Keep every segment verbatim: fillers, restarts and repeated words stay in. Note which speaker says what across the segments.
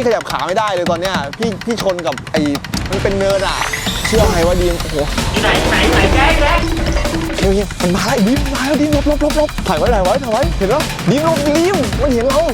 Speaker 1: ขยับขาไม่ได้เลยตอนเนี้ยพี่พี่ชนกับไอ้มันเป็นเนินอ่ะเชื่อไหมว่าดีมโอ้โห
Speaker 2: ไหนไหนไหนแกแก
Speaker 1: เฮ้ยมันมาแล้วดีมมาแล้วดีมลบลบลบลบถ่ายไว้ถ่ายไว้ถ่ายไว้เห็นแล้วดีมลบดีมมันเห็นเรา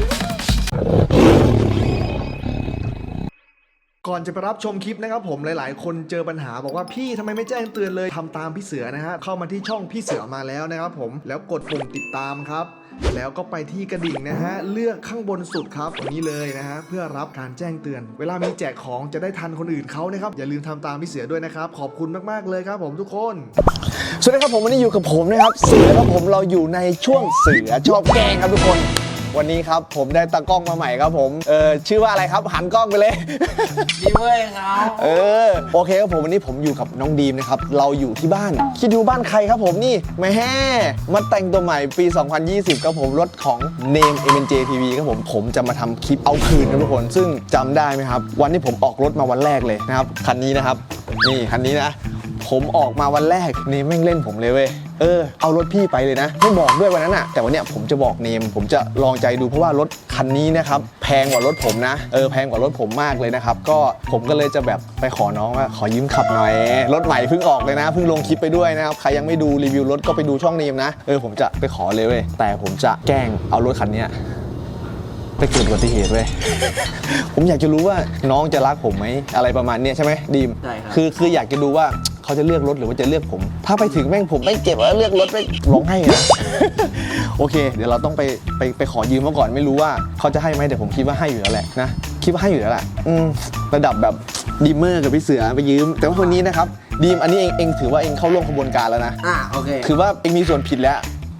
Speaker 1: ก่อนจะไปรับชมคลิปนะครับผมหลายๆคนเจอปัญหาบอกว่าพี่ทำไมไม่แจ้งเตือนเลยทำตามพี่เสือนะฮะเข้ามาที่ช่องพี่เสือมาแล้วนะครับผมแล้วกดปุ่มติดตามครับแล้วก็ไปที่กระดิ่งนะฮะเลือกข้างบนสุดครับตรงนี้เลยนะฮะเพื่อรับการแจ้งเตือนเวลามีแจกของจะได้ทันคนอื่นเขานะครับอย่าลืมทำตามพี่เสือด้วยนะครับขอบคุณมากๆเลยครับผมทุกคนสวัสดีครับผมวันนี้อยู่กับผมนะครับเสือครับผมเราอยู่ในช่วงเสือชอบแกล้งครับทุกคนวันนี้ครับผมได้ตากล้องมาใหม่ครับผมเออชื่อว่าอะไรครับหันกล้องไปเลย
Speaker 2: ดีเว้ยครับ
Speaker 1: เออโอเคครับผมวันนี้ผมอยู่กับน้องดีมนะครับเราอยู่ที่บ้านคิดดูบ้านใครครับผมนี่แม่มาแต่งตัวใหม่ปีสองพันยี่สิบครับผมรถของ Name เอ็ม เอ็น เจ ที วี ครับผมผมจะมาทำคลิปเอาคืนครับทุกคนซึ่งจำได้ไหมครับวันที่ผมออกรถมาวันแรกเลยนะครับคันนี้นะครับนี่คันนี้นะผมออกมาวันแรกนี่แม่งเล่นผมเลยเว้ยเออเอารถพี่ไปเลยนะไม่บอกด้วยวันนั้นอะแต่วันเนี้ยผมจะบอกเนมผมจะลองใจดูเพราะว่ารถคันนี้นะครับแพงกว่ารถผมนะเออแพงกว่ารถผมมากเลยนะครับก็ผมก็เลยจะแบบไปขอน้องว่าขอยืมขับหน่อยรถใหม่เพิ่งออกเลยนะเพิ่งลงคลิปไปด้วยนะครับใครยังไม่ดูรีวิวรถก็ไปดูช่องเนมนะเออผมจะไปขอเลยเว้ยแต่ผมจะแกล้งเอารถคันนี้ไปเกิดอุบัติเหตุเว้ย ผมอยากจะรู้ว่าน้องจะรักผมไหมอะไรประมาณนี้ใช่ไหมดีม
Speaker 2: ใช่ครับ
Speaker 1: คือคืออยากจะดูว่าเขาจะเลือกรถหรือว่าจะเลือกผมถ้าไปถึงแม่งผมไม่เจ็บแล้วเลือกรถไม่ร้องไห้นะ โอเคเดี๋ยวเราต้องไปไปไปขอยืมมาก่อนไม่รู้ว่าเขาจะให้ไหมแต่ผมคิดว่าให้อยู่แล้วแหละนะคิดว่าให้อยู่แล้วแหละอืมระดับแบบดีมเมอร์กับพี่เสือไปยืมแต่ว่าคนนี้นะครับดีมอันนี้เองเองถือว่าเองเข้าร่วมขบวนการแล้วนะ
Speaker 2: อ่าโอเค
Speaker 1: คือว่าเองมีส่วนผิดแล้ว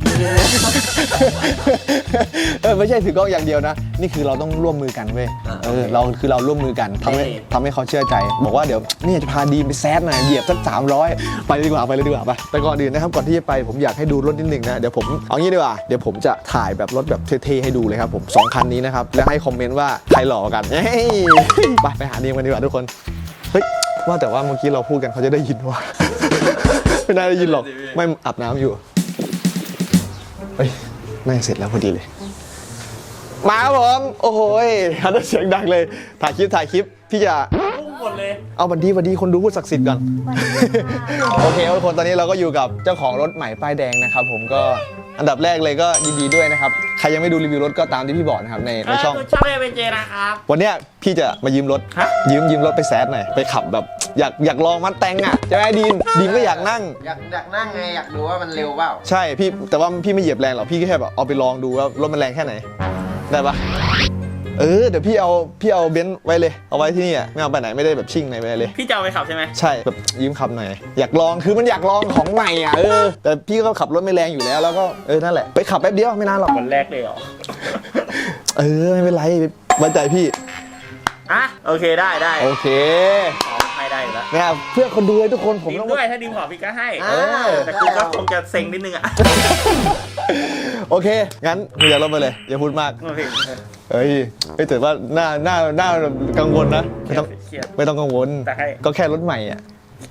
Speaker 1: เออไม่ใช่ถือกล้องอย่างเดียวนะนี่คือเราต้องร่วมมือกันเว้ยเออเราคือเราร่วมมือกันทำให้ทำให้เขาเชื่อใจบอกว่าเดี๋ยวนี่จะพาดีมไปแซดหน่อยเหยียบสักสามร้อยไปเลยดีกว่าไปเลยดีกว่าไปแต่ก่อนอื่นนะครับก่อนที่จะไปผมอยากให้ดูรถนิดนึงนะเดี๋ยวผมเอางี้ดีกว่าเดี๋ยวผมจะถ่ายแบบรถแบบเท่ๆให้ดูเลยครับผมสองคันนี้นะครับแล้วให้คอมเมนต์ว่าใครหล่อกันไปไปหาดีมกันดีกว่าทุกคนเฮ้ยว่าแต่ว่าเมื่อกี้เราพูดกันเขาจะได้ยินว่าไม่น่าได้ยินหรอกไม่อาบน้ำอยู่เฮ้ยน่าจะเสร็จแล้วพอดีเลยมาครับผมโอ้โหฮันเสียงดังเลยถ่ายคลิปถ่ายคลิปพี่จะ
Speaker 2: พุ่งหมดเลย
Speaker 1: เอาบันดีบันดีคนดูพูดศักดิ์สิทธิ์ก่อนโอเคทุกคนตอนนี้เราก็อยู่กับเจ้าของรถใหม่ป้ายแดงนะครับผมก็อันดับแรกเลยก็ยินดีด้วยนะครับใครยังไม่ดูรีวิวรถก็ตามที่พี่บอกนะครับในในช่อง
Speaker 2: ช่องเอเวนเจนะครับ
Speaker 1: วันเนี้ยพี่จะมายืมรถยืมยืมรถไปแซดหน่อยไปขับแบบอยากอยากลองมัดแตงอ่ะจะไหมดีมดีมก็อยากนั่ง
Speaker 2: อยากอยากนั่งไงอยากดูว่ามันเร็วเปล่า
Speaker 1: ใช่พี่แต่ว่าพี่ไม่เหยียบแรงหรอกพี่แค่แบบเอาไปลองดูว่ารถมันแรงแค่ไหนได้ปะเออเดี๋ยวพี่เอาพี่เอาเบนซ์ไว้เลยเอาไว้ที่นี่อ่ะไม่เอาไปไหนไม่ได้แบบชิ่งไหนไปเลย
Speaker 2: พี่จะเอาไปขับใช่ไหม
Speaker 1: ใช่แบบยืมขับหน่อยอยากลองคือมันอยากลองของใหม่อ่ะเออแต่พี่ก็ขับรถไม่แรงอยู่แล้วแล้วก็เออนั่นแหละไปขับแป๊บเดียวไม่นานหรอก
Speaker 2: วันแรกเลยเหรอ
Speaker 1: เออไม่เป็นไรไว้ใจพี่
Speaker 2: อ่ะโอเคได้ได้
Speaker 1: โอเค
Speaker 2: ให้ได้แล้ว
Speaker 1: เนี่ยเพื่อคนดูเลยทุกคนผม
Speaker 2: ต้องด้วยถ้าดิมขอพี่ก็ให้แต่คือก็คงจะเซ็งนิดนึงอ่ะ
Speaker 1: โอเคงั้นอย่าลงไปเลยอย่าพูดมากเฮ้ยไม่ถือว่าหน้าหน้าหน้ากังวลนะไม่ต้องไม่ต้องกังวลก็แค่รถใหม่อ่ะ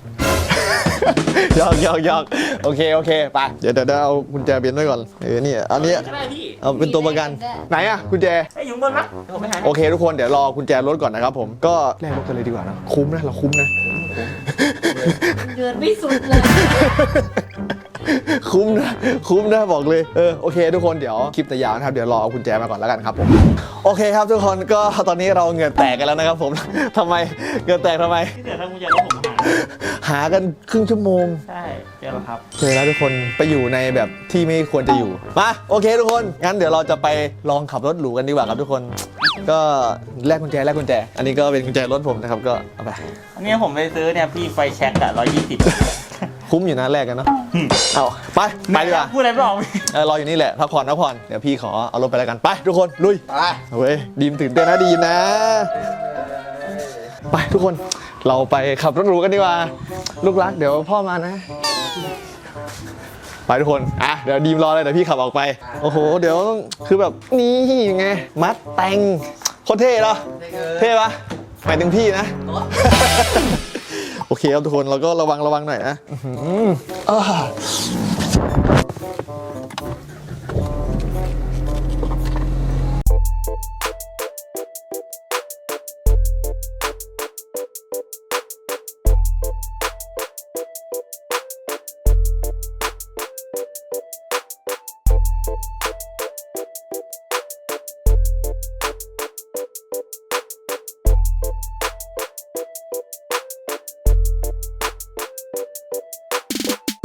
Speaker 1: ยอกยอกยอกโอเคโอเคไปเดี๋ยวเดี๋ยวเอากุญแจเบนซ์ไว้ก่อนเออนี่อันนี้เอาเป็นตัวประกันไหนอ่ะกุญแจ
Speaker 2: ไอ้ยุงบนมั้ย
Speaker 1: โอเคทุกคนเดี๋ยวรอกุญแจรถก่อนนะครับผมก็แลกรถกันเลยดีกว่านะคุ้มนะเราคุ้มนะ
Speaker 3: เดือดไม่สุดเลย
Speaker 1: คุ้มนะคุ้มนะบอกเลยเออโอเคทุกคนเดี๋ยวคลิปแต่ยาวนะครับเดี๋ยวรอเอากุญแจมาก่อนแล้วกันครับผมโอเคครับทุกคนก็ตอนนี้เราเหงื่อแตกกันแล้วนะครับผมทำไมเหงื่อแตกทำไม
Speaker 2: ที่เดี๋ยวถ้ากุญแจรถผม
Speaker 1: หากันครึ่งชั่วโมง
Speaker 2: ใช่เจอแล้วครับ
Speaker 1: เจอแล้วทุกคนไปอยู่ในแบบที่ไม่ควรจะอยู่มาโอเคทุกคนงั้นเดี๋ยวเราจะไปลองขับรถหรูกันดีกว่าครับทุกคนก็แลกกุญแจแลกกุญแจอันนี้ก็เป็นกุญแจรถผมนะครับก็เอาไป
Speaker 2: อันนี้ผมไปซื้อเนี่ยพี่ไฟแช็กอะร้อยยี่สิบ
Speaker 1: คุ้มอยู่นะแรกกันเนาะเอาไปไปดีกว่า
Speaker 2: พูดอะไรไม่ออก
Speaker 1: เออรออยู่นี่แหละพักผ่อนพักผ่อนเดี๋ยวพี่ขอเอารถไปแล้วกันไปทุกคนลุย
Speaker 2: ไป
Speaker 1: เว้ยดีมตื่นเต้นนะดีมนะไปทุกคนเราไปขับรถหรูกันดีกว่าลูกรักเดี๋ยวพ่อมานะไปทุกคนอ่ะเดี๋ยวดีมรอเลยเดี๋ยวพี่ขับออกไปโอ้โหเดี๋ยวคือแบบนี่ไงมัดแต่งโคตรเท่เหรอเท่ปะหมายถึงพี่นะโอเคครับทุกคนเราก็ระวังระวังหน่อยนะ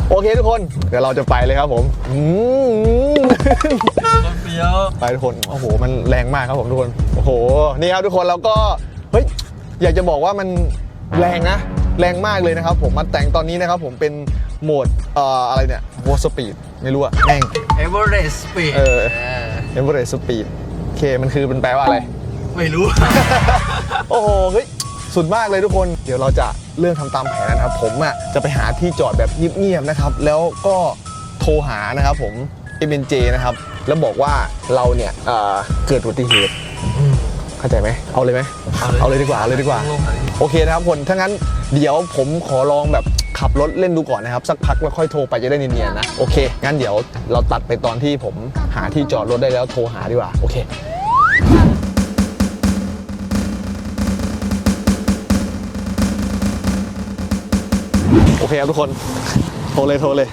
Speaker 1: โอเคทุกคนเดี๋ยวเราจะไปเลยครับผมอืม
Speaker 4: เฟี้ยว
Speaker 1: ไปทุกคนโอ้โหมันแรงมากครับผมทุกคนโอ้โหนี่ครับทุกคนแล้วก็เฮ้ยอยากจะบอกว่ามันแรงนะแรงมากเลยนะครับผมมันแต่งตอนนี้นะครับผมเป็นโหมดเอ่ออะไรเนี่ยวอลสปีดไม่รู้อะแม่ง
Speaker 4: เอเวอเรสต์สปีด
Speaker 1: เออ เอเวอเรสต์สปีดโอเคมันคือเป็นแปลว่าอะไร
Speaker 4: ไม่รู้
Speaker 1: โอ้โหเฮ้ยสุดมากเลยทุกคนเดี๋ยวเราจะเริ่มทำตามแผนนะครับผมอ่ะจะไปหาที่จอดแบบเงียบๆนะครับแล้วก็โทรหานะครับผม เอ็ม เอ็น เจ นะครับแล้วบอกว่าเราเนี่ยเอ่อเกิดอุบัติเหตุเข้าใจไหมเอาเลยไหมเอาเลยดีกว่าเอาเลยดีกว่าโอเคนะครับคนถ้างั้นเดี๋ยวผมขอลองแบบขับรถเล่นดูก่อนนะครับสักพักแล้วค่อยโทรไปจะได้เนียนๆนะโอเคงั้นเดี๋ยวเราตัดไปตอนที่ผมหาที่จอดรถได้แล้วโทรหาดีกว่าโอเคโอเคครับทุกคนโทรเลยโทรเลย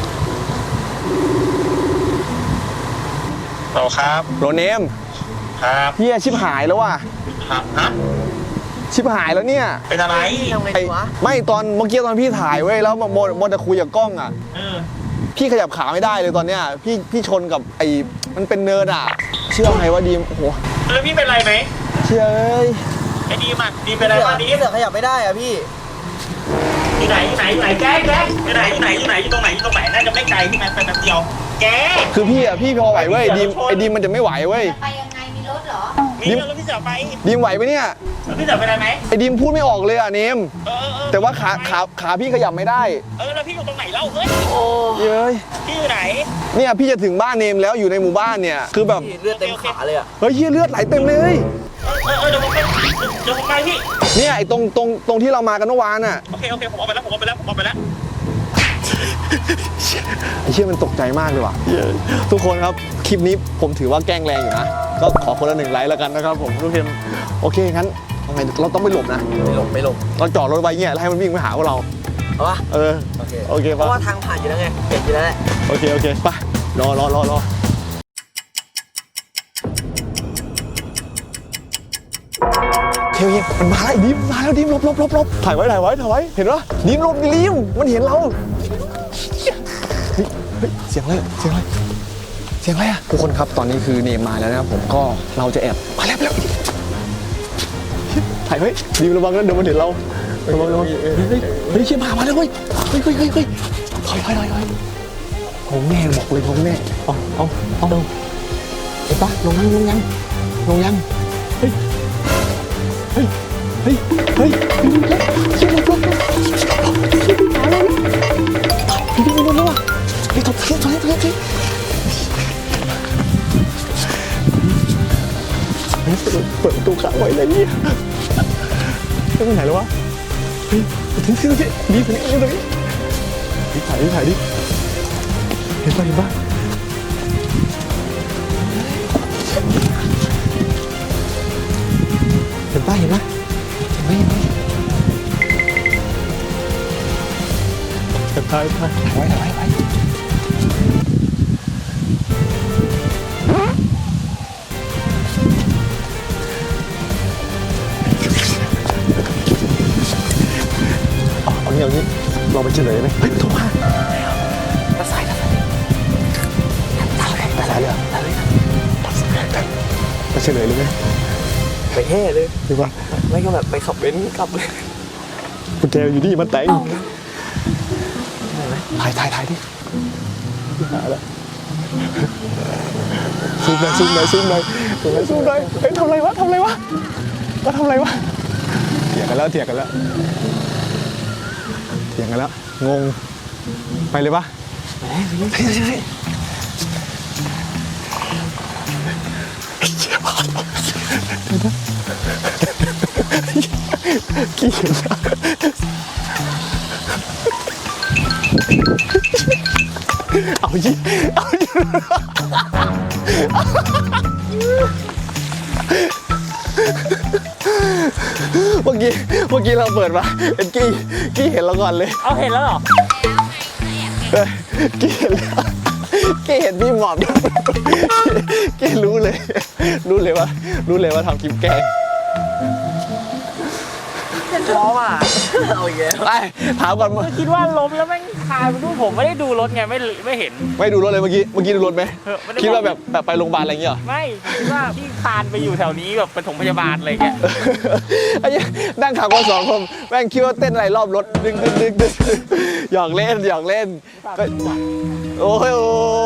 Speaker 2: เราครับ
Speaker 1: โรเนม
Speaker 2: ครับ
Speaker 1: เฮียชิบหายแล้วว่ะ
Speaker 2: ครับฮะ
Speaker 1: ชิบหายแล้วเนี่ย
Speaker 2: เป็นอะไร
Speaker 1: ไอ้ไม่ตอนเมื่อกี้ตอนพี่ถ่ายเว้ยแล้วโมโมจะคุยกับกล้องอ่ะ
Speaker 2: เออ
Speaker 1: พี่ขยับขาไม่ได้เลยตอนเนี้ยพี่พี่ชนกับไอ้มันเป็นเนินอ่ะ เชื่อไงว่าดีมโอ้โห
Speaker 2: แล้วพี่เป็นไรไหม
Speaker 1: เชื่อเอ้ย
Speaker 2: ไอ้ดีมอ่ะดีเป็นไรบ้างดี
Speaker 4: พี่เสือขยับไม่ได้อะพี่
Speaker 2: อยู่ไหนอยู่ไหนอยู่ไหนแจ๊คแจ๊คอยู่ไหนอยู่ไหนอยู่ไหนอยู่ตรงไหนอยู่ตรงไหนน่าจะไม่ไกลพี่แมนไปแป๊บเดียวแจ๊ค
Speaker 1: คือพี่อ่ะพี่พอไหวเว้ยดีมไอ้ดีมมันจะไม่ไหวเว้ย
Speaker 3: ไปยังไงมีรถเหรอ
Speaker 2: มีแล้วพี่เสือไป
Speaker 1: ดีมไหวไหมเนี่ย
Speaker 2: แล้วพี่เสือเป็นไรไหม
Speaker 1: ไอ้ดีมพูดไม่ออกเลยอ่ะเนม
Speaker 2: เออเออ
Speaker 1: แต่ว่าขาขาขาพี่ขยับไม่ได้
Speaker 2: เออแล้วพี่อยู่ตรงไหนเล่าเฮ้ย
Speaker 1: เย้ย
Speaker 2: พี่อยู่ไหน
Speaker 1: เนี่ยพี่จะถึงบ้านเนมแล้วอยู่ในหมู่บ้านเนี่ยคือแบบ
Speaker 4: เลือดเต็มขาเลยอะ
Speaker 1: เฮ้ยเหี้ยเลือดไหลเต็มเลย
Speaker 2: เออเออเดี๋ยวผมไปเดี๋ยวผมไปพี่
Speaker 1: เนี่ยไอ้ตรงตรงตรงที่เรามากันเมื่อวานอ่ะ
Speaker 2: โอเคโอเคผมเอาไปแล้วผมเอาไปแล้วผมเอาไปแล้ว
Speaker 1: ไอ้เชี่ยมันตกใจมากเลยว่ะทุกคนครับคลิปนี้ผมถือว่าแกล้งแรงอยู่นะก็ขอคนละหนึ่งไลค์แล้วกันนะครับผมทุกคนโอเคงั้นทำไงเราต้องไปหลบนะ
Speaker 4: ไม่หลบไม่หลบ
Speaker 1: เราจอดรถไว้เงี้ยแล้วให้มันวิ่งไปหาพวกเรา
Speaker 4: เอาปะ
Speaker 1: เออ
Speaker 4: โอเค
Speaker 1: โอเค
Speaker 4: เพ
Speaker 1: ปะ
Speaker 4: ราะว่าทางผ่านอยู่แล้วไงเห็นอยู่แล้วแหละ
Speaker 1: โอเคโอเคไปรอรอรอรอเฮ้ยมันมาแล้วไอ้ดิมมาแล้วดิมหลบหลบหลบหลบถ่ายไว้ถ่ายไว้ถ่ายไว้เห็นปะดิมหลบดิมมันเห็นเราเฮ้ยเฮ้ยเสียงอะไรเสียงอะไรเสียงอะไรอะทุกคนครับตอนนี้คือเนมมาแล้วนะครับผมก็เราจะแอบมาแล้วมาแล้วถ่ายไว้ดิมระวังนะเดี๋ยวมันเห็นเราระวังระวังเฮ้ยเฮ้ยเฮ้ยเชี่ยมามาแล้วเว้ยเฮ้ยเฮ้ยเฮ้ยเฮ้ยถอยถอยถอยถอยผมแน่บอกเลยผมแน่เอาเอาเอาเห็นปะลงยังลงยังลงยังเฮ้ยเฮ้ยเฮ้ยเฮ้ยเชี่ยลงลงลงเชี่ยมาแล้วพี่พี่ลงลงว่ะไปถอยถอยถอยถอยถอยเปิดประตูขังไว้เลยเนี่ยไปไหนแล้ววะเฮ้ยทิ้งทิ้งทิ้งดีตรงนี้ดีตรงนี้ดิถ่ายดิถ่ายดิเห็นป่ะเห็นป่ะเห็นป่ะเห็นป่ะเห็นไหมเห็นไหมถ่ายถ่ายถ่ายไว้ถ่ายไว้ไว้เอาอย่างนี้เราไปเฉลยไหมเฮ้ยโทรมาตัดสายตัดสายตัดสายเลยตัดเลยตัดสายตัดไปเฉลยเลยไหม
Speaker 4: ไปแห่เลย
Speaker 1: หรือว่า
Speaker 4: ไม่ก็แบบไปขับเบนซ์กลับเลย
Speaker 1: กุญแจอยู่นี่มันแต่งถ่ายถ่ายถ่ายดิหาแล้วซูมหน่อยซูมหน่อยซูมหน่อยซูมหน่อยซูมหน่อยเฮ้ยทำไรวะทำไรวะว่าทำไรวะเถียงกันแล้วเถียงกันแล้วเถียงกันแล้วงงไปเลยปะไปเลยไปเลยขี้เกียจเอายิเอายิเมื่อกี้เมื่อกี้เราเปิดมาเป็นกี้กี้เห็นเราก่อนเลย
Speaker 2: เอาเห็นแล้วเหรอ
Speaker 1: เออกี้เห็นแล้วกี้เห็นพี่หมอบกี้รู้เลยรู้เลยว่ารู้เลยว่าทำคลิปแกล้ง
Speaker 4: พร้อมอ่ะเอาอีกแล้ว
Speaker 1: ไปถามก่อนมึง
Speaker 2: คิดว่าล้มแล้วแม่งคานดูผมไม่ได้ดูรถไงไม่ไม่เห็น
Speaker 1: ไม่ดูรถเลยเมื่อกี้เมื่อกี้ดูรถไหม
Speaker 2: เออไม่ได้
Speaker 1: คิดว่าแบบแบบไปโรงพยาบาลอะไรอย่างเงี้ยเหรอ
Speaker 2: ไม่คิดว่าพี่คานไปอยู่แถวนี้แบบปฐมพยาบาลอะไรเงี้ย
Speaker 1: ไอ้เหี้ยนั่งขับมาสองคนแม่งคิดว่าเต้นอะไรรอบรถดึงดึงดึงดึงหยอกเล่นหยอกเล่นก็โอ้ยโอ้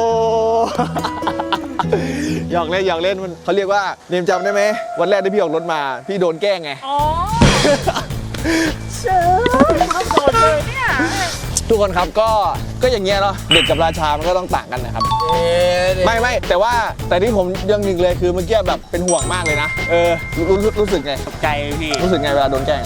Speaker 1: หยอกเล่นหยอกเล่นมันเขาเรียกว่าเนมจำได้ไหมวันแรกที่พี่ออกรถมาพี่โดนแกล้งไง
Speaker 2: อ๋อเชื่อต้องโดนเลยเนี่ย
Speaker 1: ทุกคนครับก็ก็อย่างเงี้ยเนาะเด็กกับราชามันก็ต้องต่างกันนะครับไม่ไม่แต่ว่าแต่ที่ผมยังหนึ่งเลยคือเมื่อกี้แบบเป็นห่วงมากเลยนะเออรู้รู้รู้สึกไง
Speaker 2: ตกใจพี่
Speaker 1: รู้สึกไงเวลาโดนแกล้ง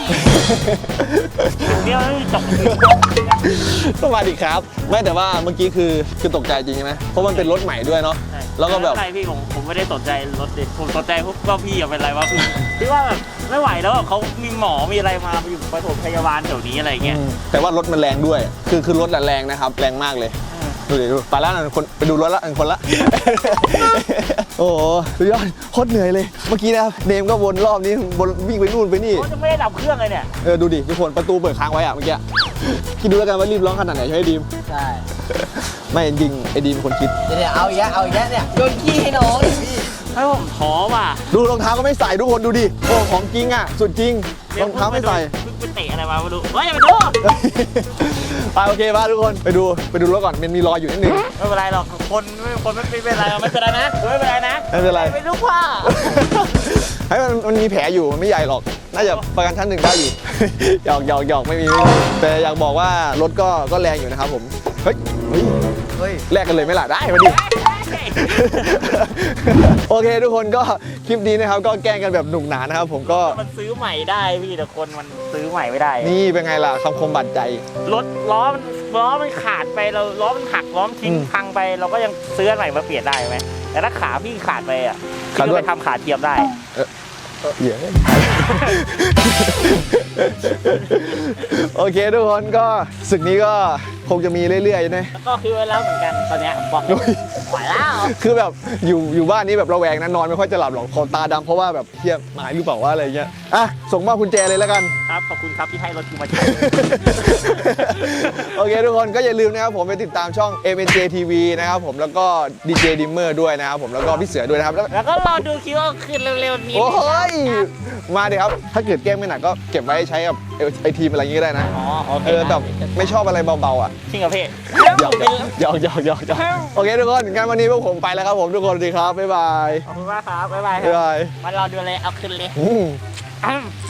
Speaker 2: เดี๋ยวจบ
Speaker 1: สวัสดีครับไม่แต่ว่าเมื่อกี้คือคือตกใจจริงใช่ไหมเพราะมันเป็นรถใหม่ด้วยเนาะแล้วก็แบบ
Speaker 2: อะไรพี่ผมผมไม่ได้สนใจรถเด็กผมสนใจพวกว่าพี่เป็นไรวะพี่พี่ว่าแบบไม่ไหวแล้วเขามีหมอมีอะไรมาอยู่ปฐมพยาบาลแถวนี้อะไรเงี้ย
Speaker 1: แต่ว่ารถมันแรงด้วย คือคือรถอะแรงนะครับแรงมากเลยดูดิดูไปแล้วนะคนไปดูรถละหนึ่งคนละ โอ้โหสุดยอดโคตรเหนื่อยเลยเมื่อกี้นะครับเนมก็วนรอบนี้วนวิ่งไปนู่นไปนี่
Speaker 2: เขาจะไม่ได้ดับเครื่องเลยเนี่ย
Speaker 1: เออดูดิทุกคนประตูเปิดค้างไว้อะเมื่อกี้คิดดูแล้วกันว่ารีบร้องขนาดไหนใช่ไหมดีม
Speaker 4: ใช่
Speaker 1: ไม่จริงไอ้ดีมเป็นคนคิด
Speaker 4: เดี๋ยวเอาอีกแล้วเอาอีกแล้วเนี่ยโยนขี้ให้น้องดิพี่
Speaker 2: ให้ผมท้อว่ะ
Speaker 1: ดูรองเท้าก็ไม่ใส่ทุกคนดูดิโอ้ของจริงอ่ะสุดจริงรองเท้าไม่ใส่
Speaker 2: เพิ่งไปเตะอะไรมาไม่รู้เฮ้ยอย่าไปดู
Speaker 1: ไปโอเคป่ะทุกคนไปดูไปดูรถก่อนมันมีรอยอยู่นิดนึง
Speaker 2: ไม่เป็นไรหรอกคนไม่คนไม่เป็นไรไม่เป็นไรนะไม่เป็นไรนะ
Speaker 1: ไม่เป็นไร
Speaker 2: ไม่รู้ว่า
Speaker 1: ให้มันมันมีแผลอยู่มันไม่ใหญ่หรอกน่าจะประกันชั้นหนึ่งได้อยู่ หยอกหยอกหยอกไม่มีไม่มีแต่อยากบอกว่ารถก็ก็แรงอยู่นะครับผมเฮ้ยเฮ้ย
Speaker 4: เฮ้ย
Speaker 1: แลกกันเลยไหมล่ะได้มาดิ โอเคทุกคนก็คลิปนี้นะครับก็แกล้งกันแบบหนุกหนานะครับผมก็
Speaker 2: มันซื้อใหม่ได้พี่แต่คนมันซื้อใหม่ไม่ได้
Speaker 1: นี่เป็นไงล่ะคำคมบาดใจ
Speaker 2: รถล้อมันล้อมันขาดไปเราล้อมันหักล้อมนทิ้ง
Speaker 1: อืม
Speaker 2: พังไปเราก็ยังซื้ออันใหม่มาเปลี่ยนได้ไหมแต่ถ้าขาพี่ขาดไปอ่ะ
Speaker 1: ขา
Speaker 2: พี่
Speaker 1: ดด้
Speaker 2: ก็
Speaker 1: วย
Speaker 2: ไปทำขาเทียมได้
Speaker 1: เหี้ย โอเคทุกคนก็ศึกนี้ก็คงจะมีเรื่อยๆนะ
Speaker 2: แล้วก็คือไว้แล้วเหมือนกันตอนเนี้ยบอก
Speaker 1: โอ้ย
Speaker 2: ไหวแล้ว
Speaker 1: คือแบบอยู่อยู่บ้านนี้แบบระแวงนะนอนไม่ค่อยจะหลับหรอกคอตาดำเพราะว่าแบบเฮียหมายหรือเปล่าว่าอะไรเงี้ยอ่ะส่งมอบกุญแจเลยแล้วกัน
Speaker 2: ครับขอบคุณครับที่ให้รถกูมาใช้
Speaker 1: โอเคทุกคนก็อย่าลืมนะครับผมไปติดตามช่อง เอ็ม เอ็น เจ ที วี นะครับผมแล้วก็ ดี เจ Dimmer ด้วยนะครับผมแล้วก็พี่เสือด้วยนะครับแล้ว
Speaker 2: แล้วก็รอดูคิดว่าคืนเร็วๆนี้
Speaker 1: โอ้ยมาเดี๋ยวครับถ้าเกิดแก้มไม่หนักก็เก็บไว้ใช้กับไอทีมอะไรอย่างงี้ก็ได้นะ
Speaker 2: อ๋อโอเค
Speaker 1: เออแบบไม่ชอบอะไรเบาๆอ่ะ
Speaker 2: จริงเหรอพี่
Speaker 1: หยอกหยอกหยอกหยอกหยอกโอเคทุกคนงั้นวันนี้พวกผมไปแล้วครับผมทุกคนสวัสดีครับบ๊ายบาย
Speaker 2: ขอบคุณมากครับบ๊ายบายค
Speaker 1: บ๊าย
Speaker 2: รับบ
Speaker 1: าย
Speaker 2: มารอดูเลยเอาคืนเลย
Speaker 1: อืม
Speaker 2: อ้ำ